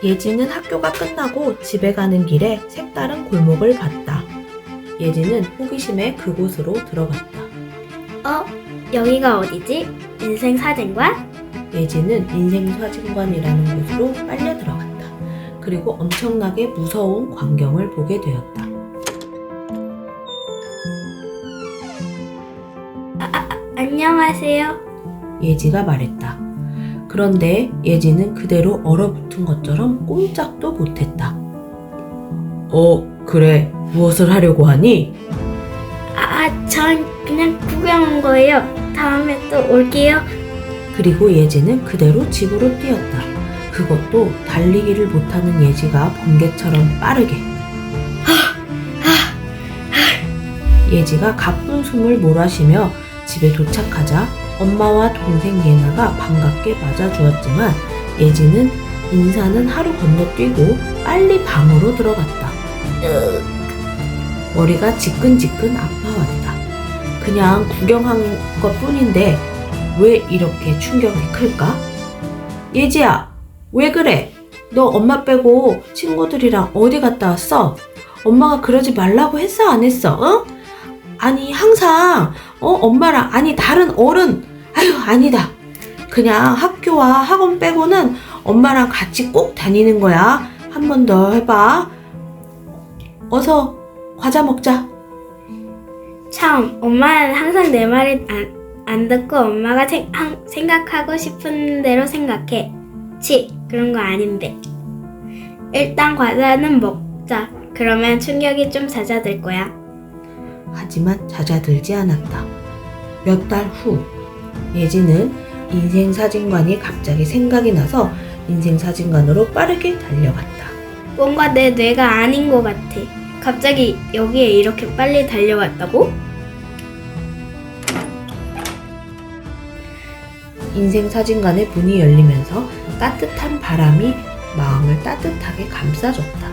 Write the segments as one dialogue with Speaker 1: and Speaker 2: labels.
Speaker 1: 예지는 학교가 끝나고 집에 가는 길에 색다른 골목을 봤다. 예지는 호기심에 그곳으로 들어갔다.
Speaker 2: 여기가 어디지? 인생사진관?
Speaker 1: 예지는 인생사진관이라는 곳으로 빨려 들어갔다. 그리고 엄청나게 무서운 광경을 보게 되었다.
Speaker 2: 안녕하세요.
Speaker 1: 예지가 말했다. 그런데 예지는 그대로 얼어붙은 것처럼 꼼짝도 못했다. 그래. 무엇을 하려고 하니?
Speaker 2: 전 그냥 구경 온 거예요. 다음에 또 올게요.
Speaker 1: 그리고 예지는 그대로 집으로 뛰었다. 그것도 달리기를 못하는 예지가 번개처럼 빠르게. 예지가 가쁜 숨을 몰아쉬며 집에 도착하자 엄마와 동생 예나가 반갑게 맞아주었지만 예지는 인사는 하루 건너뛰고 빨리 방으로 들어갔다. 머리가 지끈지끈 아파왔다. 그냥 구경한 것 뿐인데 왜 이렇게 충격이 클까? 예지야, 왜 그래? 너 엄마 빼고 친구들이랑 어디 갔다 왔어? 엄마가 그러지 말라고 했어, 안 했어? 어? 아니, 항상 엄마랑, 아니, 다른 어른. 아니다. 그냥 학교와 학원 빼고는 엄마랑 같이 꼭 다니는 거야. 한 번 더 해봐. 어서 과자 먹자.
Speaker 2: 참, 엄마는 항상 내 말을 안 듣고 엄마가 생각하고 싶은 대로 생각해. 그런 거 아닌데. 일단 과자는 먹자. 그러면 충격이 좀 잦아들 거야.
Speaker 1: 하지만 잦아들지 않았다. 몇 달 후, 예지는 인생사진관이 갑자기 생각이 나서 인생사진관으로 빠르게 달려갔다.
Speaker 2: 뭔가 내 뇌가 아닌 것 같아. 갑자기 여기에 이렇게 빨리 달려왔다고?
Speaker 1: 인생사진관의 문이 열리면서 따뜻한 바람이 마음을 따뜻하게 감싸줬다.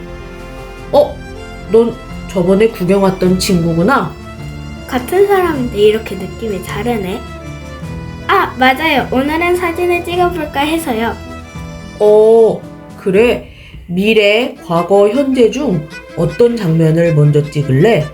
Speaker 1: 넌 저번에 구경 왔던 친구구나?
Speaker 2: 같은 사람인데 이렇게 느낌이 다르네. 맞아요. 오늘은 사진을 찍어볼까 해서요.
Speaker 1: 그래. 미래, 과거, 현재 중 어떤 장면을 먼저 찍을래?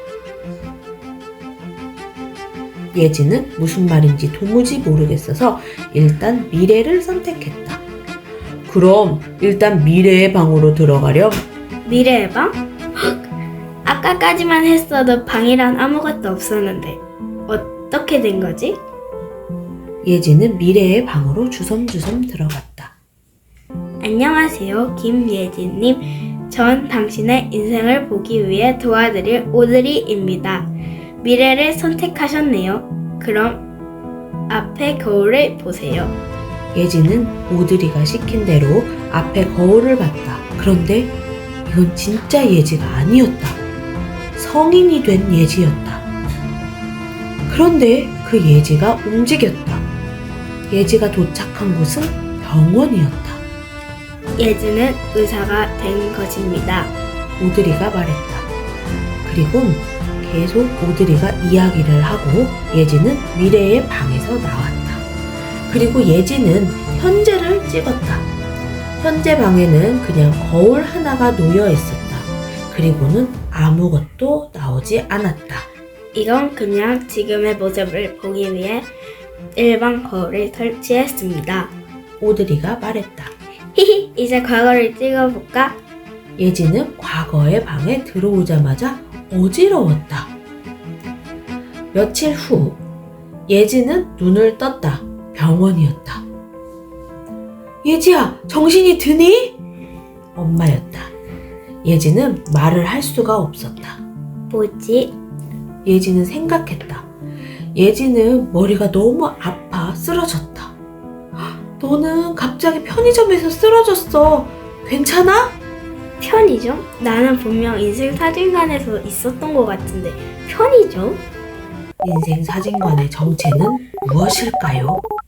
Speaker 1: 예지는 무슨 말인지 도무지 모르겠어서 일단 미래를 선택했다. 그럼 일단 미래의 방으로 들어가렴.
Speaker 2: 미래의 방? 아까까지만 했어도 방이란 아무것도 없었는데 어떻게 된 거지?
Speaker 1: 예지는 미래의 방으로 주섬주섬 들어갔다.
Speaker 2: 안녕하세요, 김예진님. 전 당신의 인생을 보기 위해 도와드릴 오드리입니다. 미래를 선택하셨네요. 그럼 앞에 거울을 보세요.
Speaker 1: 예지는 오드리가 시킨 대로 앞에 거울을 봤다. 그런데 이건 진짜 예지가 아니었다. 성인이 된 예지였다. 그런데 그 예지가 움직였다. 예지가 도착한 곳은 병원이었다.
Speaker 2: 예지는 의사가 된 것입니다.
Speaker 1: 오드리가 말했다. 그리곤 계속 오드리가 이야기를 하고 예지는 미래의 방에서 나왔다. 그리고 예지는 현재를 찍었다. 현재 방에는 그냥 거울 하나가 놓여 있었다. 그리고는 아무것도 나오지 않았다.
Speaker 2: 이건 그냥 지금의 모습을 보기 위해 일반 거울을 설치했습니다.
Speaker 1: 오드리가 말했다.
Speaker 2: 이제 과거를 찍어볼까?
Speaker 1: 예지는 과거의 방에 들어오자마자 어지러웠다. 며칠 후 예지는 눈을 떴다. 병원이었다. 예지야, 정신이 드니? 엄마였다. 예지는 말을 할 수가 없었다.
Speaker 2: 뭐지?
Speaker 1: 예지는 생각했다. 예지는 머리가 너무 아파 쓰러졌다. 너는 갑자기 편의점에서 쓰러졌어. 괜찮아?
Speaker 2: 편의점? 나는 분명 인생사진관에서 있었던 것 같은데 편의점?
Speaker 1: 인생사진관의 정체는 무엇일까요?